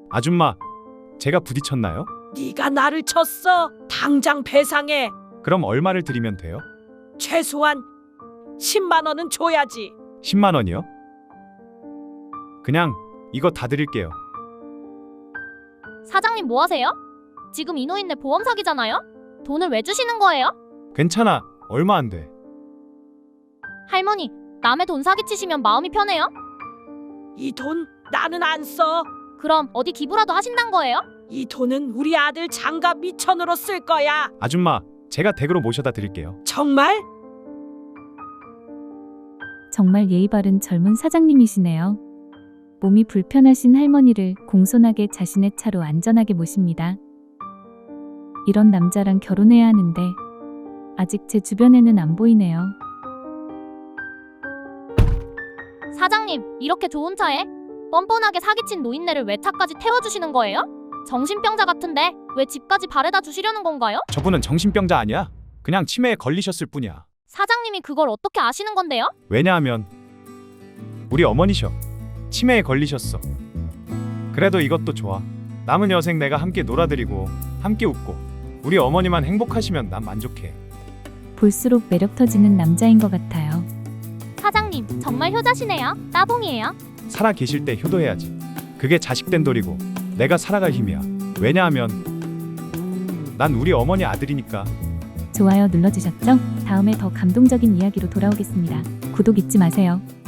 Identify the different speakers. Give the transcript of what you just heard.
Speaker 1: 아줌마, 제가 부딪혔나요?
Speaker 2: 네가 나를 쳤어. 당장 배상해.
Speaker 1: 그럼 얼마를 드리면 돼요?
Speaker 2: 최소한 10만 원은 줘야지.
Speaker 1: 10만 원이요? 그냥 이거 다 드릴게요.
Speaker 3: 사장님 뭐 하세요? 지금 이 노인네 보험 사기잖아요? 돈을 왜 주시는 거예요?
Speaker 1: 괜찮아. 얼마 안 돼.
Speaker 3: 할머니, 남의 돈 사기치시면 마음이 편해요?
Speaker 2: 이 돈 나는 안 써.
Speaker 3: 그럼 어디 기부라도 하신단 거예요?
Speaker 2: 이 돈은 우리 아들 장가 미천으로 쓸 거야.
Speaker 1: 아줌마, 제가 댁으로 모셔다 드릴게요.
Speaker 2: 정말?
Speaker 4: 정말 예의 바른 젊은 사장님이시네요. 몸이 불편하신 할머니를 공손하게 자신의 차로 안전하게 모십니다. 이런 남자랑 결혼해야 하는데 아직 제 주변에는 안 보이네요.
Speaker 3: 사장님, 이렇게 좋은 차에 뻔뻔하게 사기친 노인네를 왜 차까지 태워주시는 거예요? 정신병자 같은데 왜 집까지 바래다 주시려는 건가요?
Speaker 1: 저분은 정신병자 아니야. 그냥 치매에 걸리셨을 뿐이야.
Speaker 3: 사장님이 그걸 어떻게 아시는 건데요?
Speaker 1: 왜냐하면 우리 어머니셔. 치매에 걸리셨어. 그래도 이것도 좋아. 남은 여생 내가 함께 놀아드리고 함께 웃고 우리 어머니만 행복하시면 난 만족해.
Speaker 4: 볼수록 매력 터지는 남자인 것 같아요.
Speaker 3: 사장님, 정말 효자시네요. 따봉이에요.
Speaker 1: 살아 계실 때 효도해야지. 그게 자식된 도리고 내가 살아갈 힘이야. 왜냐하면 난 우리 어머니 아들이니까.
Speaker 4: 좋아요 눌러주셨죠? 다음에 더 감동적인 이야기로 돌아오겠습니다. 구독 잊지 마세요.